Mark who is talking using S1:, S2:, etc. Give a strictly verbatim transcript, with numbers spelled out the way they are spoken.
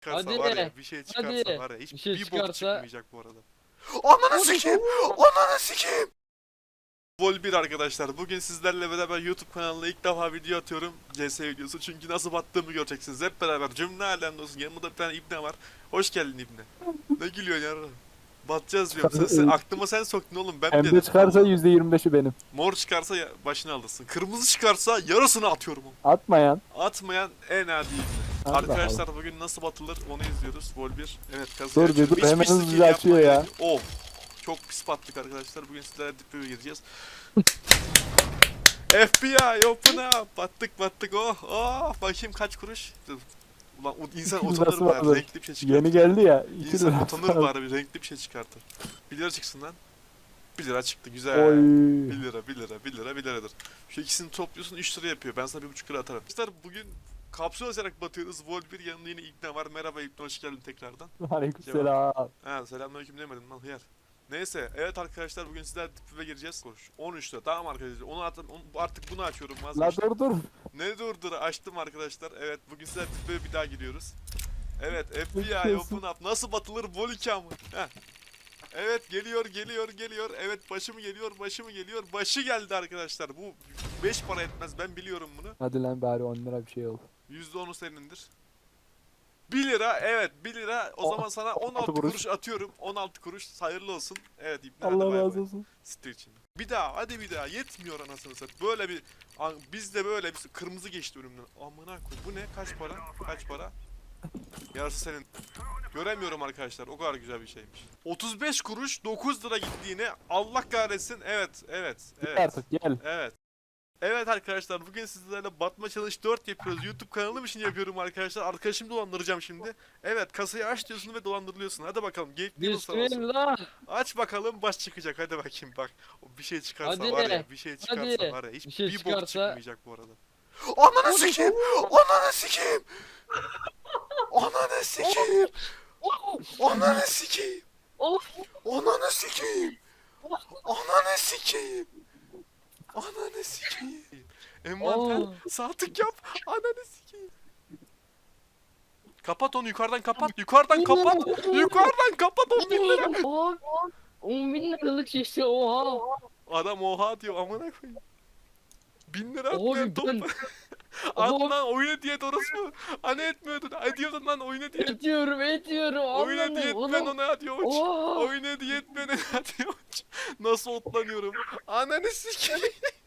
S1: Çıkarsa
S2: Hadi.
S1: var ya bir şey çıkarsa
S2: Hadi.
S1: var ya hiç
S2: Bir şey
S1: bir bok
S2: çıkarsa-
S1: çıkmayacak bu arada. Ananı sikeyim! Ananı sikeyim! Vol bir arkadaşlar. Bugün sizlerle beraber YouTube kanalına ilk defa video atıyorum. C S videosu çünkü nasıl battığımı göreceksiniz. Hep beraber cümle alemde olsun. Yanımda bir tane ibne var. Hoş geldin ibne. Ne gülüyorsun ya? Batacağız diyorum. Sen, sen, aklıma sen soktun oğlum. Ben
S3: Pembe
S1: dedim.
S3: çıkarsa
S1: Allah.
S3: yüzde yirmi beşi benim.
S1: Mor çıkarsa ya- başını alırsın. Kırmızı çıkarsa yarısını atıyorum.
S3: Atmayan.
S1: Atmayan en adi ibne.
S3: Allah
S1: Arkadaşlar bugün nasıl batılır onu izliyoruz. Vol bir. Evet
S3: Dur
S1: kasaya
S3: bir
S1: açıyorum.
S3: dur,
S1: Hiçbir
S3: hemen
S1: skill
S3: hızlıca açıyor
S1: yapmaya
S3: ya.
S1: gerek yok. Of. Çok pis battık arkadaşlar. Bugün sizlerle dip dibe gireceğiz. F B I open up. Battık battık. Oh oh. Bakayım kaç kuruş. Dur. Ulan o insan
S3: İki
S1: utanır
S3: lirası
S1: bari.
S3: vardı.
S1: Renkli bir şey çıkartır.
S3: Yeni geldi ya. iki
S1: İnsan
S3: lira.
S1: utanır bari bir renkli bir şey çıkartır. bir lira çıksın lan. bir lira çıktı güzel.
S3: Oy.
S1: bir lira, bir lira, bir lira, bir liradır. Şu ikisini topluyorsun üç lira yapıyor. Ben sana bir buçuk lira atarım. Arkadaşlar bugün kapsül açarak batıyoruz. Vol bir yanında yine İbne var. Merhaba İbne, hoş geldin tekrardan.
S3: Aleykümselam.
S1: Ha selamünaleyküm demedim lan hıyar. Neyse evet arkadaşlar bugün sizler dipive gireceğiz. on üç lira tamam arkadaşlar. Onu at, onu, artık bunu açıyorum
S3: La
S1: vazgeçtim.
S3: dur dur.
S1: Ne durdur açtım arkadaşlar. Evet bugün sizler dipive bir daha giriyoruz. Evet F B I
S3: Bakıyorsun.
S1: open up. Nasıl batılır Vol iki mı? Heh. Evet geliyor geliyor geliyor. Evet başı mı geliyor başı mı geliyor. Başı geldi arkadaşlar. Bu beş para etmez ben biliyorum bunu.
S3: Hadi lan bari on lira bir şey ol.
S1: yüzde onu senindir. bir lira evet bir lira o
S3: O-
S1: zaman sana on altı
S3: kuruş.
S1: kuruş atıyorum. on altı kuruş hayırlı olsun. Evet İbni hadi
S3: Allah
S1: bay
S3: razı
S1: bay.
S3: olsun.
S1: Siktir için. Bir daha hadi bir daha yetmiyor anasını satayım. Böyle bir an- bizde böyle bir kırmızı geçti önümden. Amına koy. Bu ne? Kaç para? Kaç para? Yarısı senin. Göremiyorum arkadaşlar. O kadar güzel bir şeymiş. otuz beş kuruş dokuz lira gittiğine Allah kahretsin. Evet, evet,
S3: Git
S1: evet.
S3: artık gel.
S1: Evet. Evet arkadaşlar bugün sizlerle Batma Challenge dört yapıyoruz. YouTube kanalım için yapıyorum arkadaşlar. Arkadaşımı dolandıracağım şimdi. Evet kasayı aç diyorsun ve dolandırılıyorsun. Hadi bakalım. Gate'li olsun.
S2: Bismillah.
S1: Aç bakalım baş çıkacak. Hadi bakayım bak. O bir şey çıkarsa
S2: Hadi.
S1: var ya. Bir şey çıkarsa
S2: Hadi.
S1: var ya. Hiç
S2: Bir şey
S1: bir bok
S2: çıkarsa-
S1: çıkmayacak bu arada. Ananı sikeyim. Ananı sikeyim. Ananı sikeyim. Ananı sikeyim.
S2: Of.
S1: Ananı sikeyim. Ananı sikeyim. Ananı sikeyim. Envanter
S2: Oo.
S1: sağ tık yap. Ananı sikeyim. Kapat onu yukarıdan kapat. Yukarıdan kapat. Yukarıdan kapat on bin lira.
S2: Oha. on bin liralık şişe oha.
S1: Adam oha diyor amına koyayım. Bin lira atmıyor
S2: Abi
S1: top.
S2: ben
S1: At
S2: Oha.
S1: lan oyuna diyet orası mı? Hani etmiyordun. Ay diyordun lan oyuna diyet.
S2: ediyorum ediyorum.
S1: Oyuna
S2: Anladım.
S1: diyet
S2: Oğlum.
S1: ben ona diyor.
S2: Oha.
S1: Oyuna diyet ben ona diyor. Nasıl otlanıyorum. Ananı sikeyim.